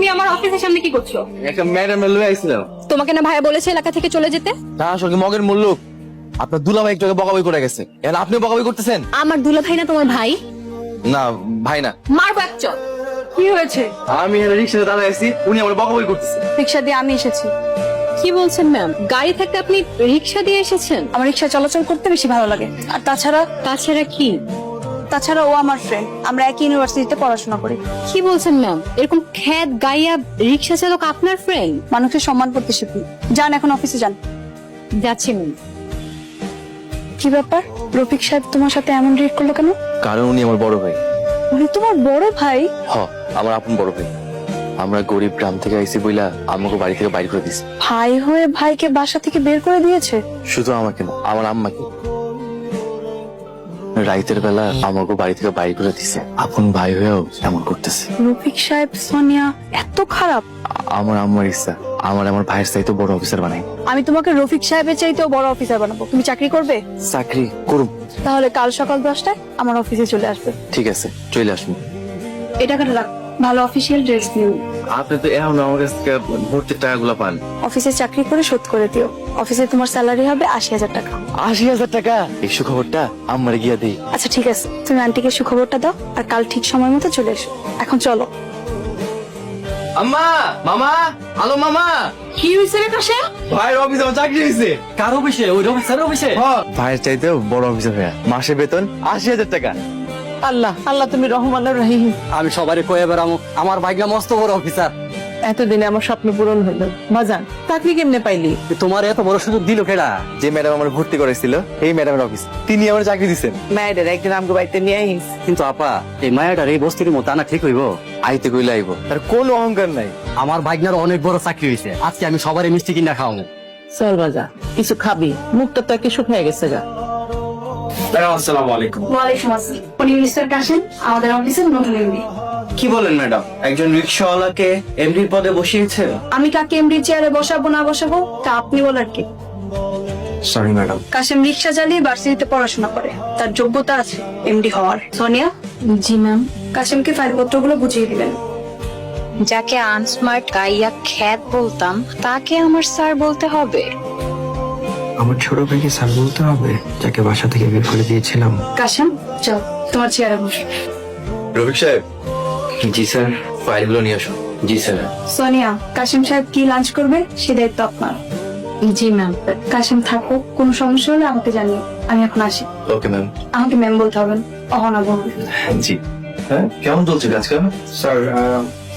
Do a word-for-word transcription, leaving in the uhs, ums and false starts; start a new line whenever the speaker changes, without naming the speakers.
আমার অফিসের সামনে কি করছো?
একটা ম্যাডাম লয়ে আইছিলাম।
তোমাকে না ভাইয়া বলেছে এলাকা থেকে চলে যেতে?
তা আসলে মগের মূল্য আপনার দুলাভাই একটু আগে বকাবকি করে গেছে, এখন আপনিও বকাবকি করতেছেন।
আমার দুলা ভাই না তোমার ভাই?
না ভাই না।
মারবো এক চড়। কি হয়েছে?
আমি রিক্সাতে দাঁড়ায় আছি, উনি আমার বকাবকি করতেছে।
রিক্সা দিয়ে আমি এসেছি। কি বলছেন ম্যাম? গাড়ি থাকতে আপনি রিক্সা দিয়ে এসেছেন?
আমার রিক্সা চলাচল করতে বেশি ভালো লাগে। আর তাছাড়া
তাছাড়া কি?
তাছাড়া ও আমার ফ্রেন্ড, আমরা একই ইউনিভার্সিটিতে পড়াশোনা করি।
কি বলছেন ম্যাম? এরকম খ্যাত গাইয়া রিক্সা চালক আপনার ফ্রেন্ড?
মানুষের সম্মান করতে শিখি। যান এখন অফিসে যান।
যাচ্ছি ম্যাম।
কি ব্যাপার, রফিক সাহেব তোমার সাথে এমন রিয়েক্ট করলো কেন?
কারণ উনি আমার বড় ভাই।
উনি তোমার বড় ভাই?
হ, আমার আপন বড় ভাই। আমরা গরিব গ্রাম থেকে আইছি বইলা আমাকে বাড়ি থেকে বাইর করে দিছে।
ভাই হয়ে ভাইকে বাসা থেকে বের করে দিয়েছে?
শুধু আমাকে না, আমার আম্মাকে। রাইতের বেলা আমাকে বাড়ি থেকে বাইর করে দিছে। আপন ভাই হয়েও এমন করতেছে।
রফিক সাহেব সোনিয়া এত খারাপ?
আ- আমার আম্মার ইচ্ছা আমার আমার ভাইয়ের চাইতে বড় অফিসার বানাই।
আমি তোমাকে রফিক সাহেবের চাইতেও বড় অফিসার বানাবো। তুমি চাকরি করবে?
চাকরি করুম।
তাহলে কাল সকাল দশটায় আমার অফিসে চলে আসবে।
ঠিক আছে, চলে আসুন।
এই টাকাটা রাখ, ভালো অফিসিয়াল ড্রেস দিও।
আপনি তো এখন আমার কাছ থেকে ভর্তির টাকাগুলো পান।
অফিসে চাকরি করে শোধ করে দিও। অফিসে তোমার স্যালারি হবে আশি হাজার টাকা।
আশি হাজার টাকা? এই সুখবরটা আমার গিয়া দেই।
আচ্ছা ঠিক আছে, তুমি আন্টিকে সুখবরটা দাও আর কাল ঠিক সময় মতো চলে এসো। এখন চলো।
আম্মা, মামা, হ্যালো মামা।
কি হয়েছে রে কাশেম?
ভাইয়ের অফিসে আমার চাকরি হয়েছে।
কার অফিসে? ওই অফিসার অফিসে?
ভাইয়ের চাইতেও বড় অফিসার হয়ে মাসে বেতন আশি হাজার টাকা।
আল্লাহ আল্লাহ তুমি রহমানুর রহিম।
আমি সবারই কয়ে বেড়ামো আমার ভাইগা মস্ত বড় অফিসার।
এতদিনে আমার স্বপ্ন পূরণ হইল। বাজান চাকরি কেমনে পাইলি?
তোমার এত বড় সুযোগ দিল কেডা?
যে ম্যাডাম আমার ভর্তি করেছিল এই ম্যাডামের অফিস, তিনি আমার চাকরি দিচ্ছেন।
মায়েদের একদিন আমগো বাড়িতে নিয়ে আইস।
কিন্তু আপা এই মায়াটার এই বস্তির মতো আনা ঠিক হইব?
আইতে কইলে আইব, তার কোনো অহংকার নাই।
আমার ভাইগনার অনেক বড় চাকরি হয়েছে, আজকে আমি সবারই মিষ্টি কিনা খাওয়াবো।
চল বাজা, কিছু খাবি, মুখটা তো একে শুকিয়ে গেছে গা।
আসসালামু আলাইকুম।
ওয়ালাইকুম আসসালাম। উনি মিস্টার কাশেম, আমাদের অফিসের নতুন এমডি।
কি বলেন ম্যাডাম, একজন রিক্সাওয়ালাকে এমডির পদে বসিয়েছে?
আমি কাকে এমডি চেয়ারে বসাবো না বসাবো তা আপনি বলার কি?
Sorry madam.
কাশেম রিক্সা চালিয়ে ভার্সিটিতে পড়াশোনা করে, তার যোগ্যতা আছে এমডি হওয়ার। সোনিয়া,
জি ম্যাম।
কাশেমকে ফাইলপত্রগুলো বুঝিয়ে দিবেন।
যাকে আনস্মার্ট গাইয়া খ্যাত বলতাম তাকে আমার স্যার বলতে হবে?
আমার ছোট ভাইকে স্যার বলতে হবে, যাকে বাসা থেকে বের করে দিয়েছিলাম?
কাশেম চল তোমার চেয়ারে বস।
রফিক সাহেব।
জি স্যার।
ফাইলগুলো নিয়ে আসুন।
জি স্যার।
সোনিয়া, কাশেম সাহেব কি লাঞ্চ করবে সে দায়িত্ব আপনার।
জি ম্যাম।
কাশেম থাকো, কোনো সমস্যা হলে আমাকে জানিও। আমি এখন আসি।
Okay ma'am.
আমাকে ম্যাম বলতে হবে না, অহনা বলবে।
জি। হ্যাঁ, কেমন চলছে কাজকাম?
স্যার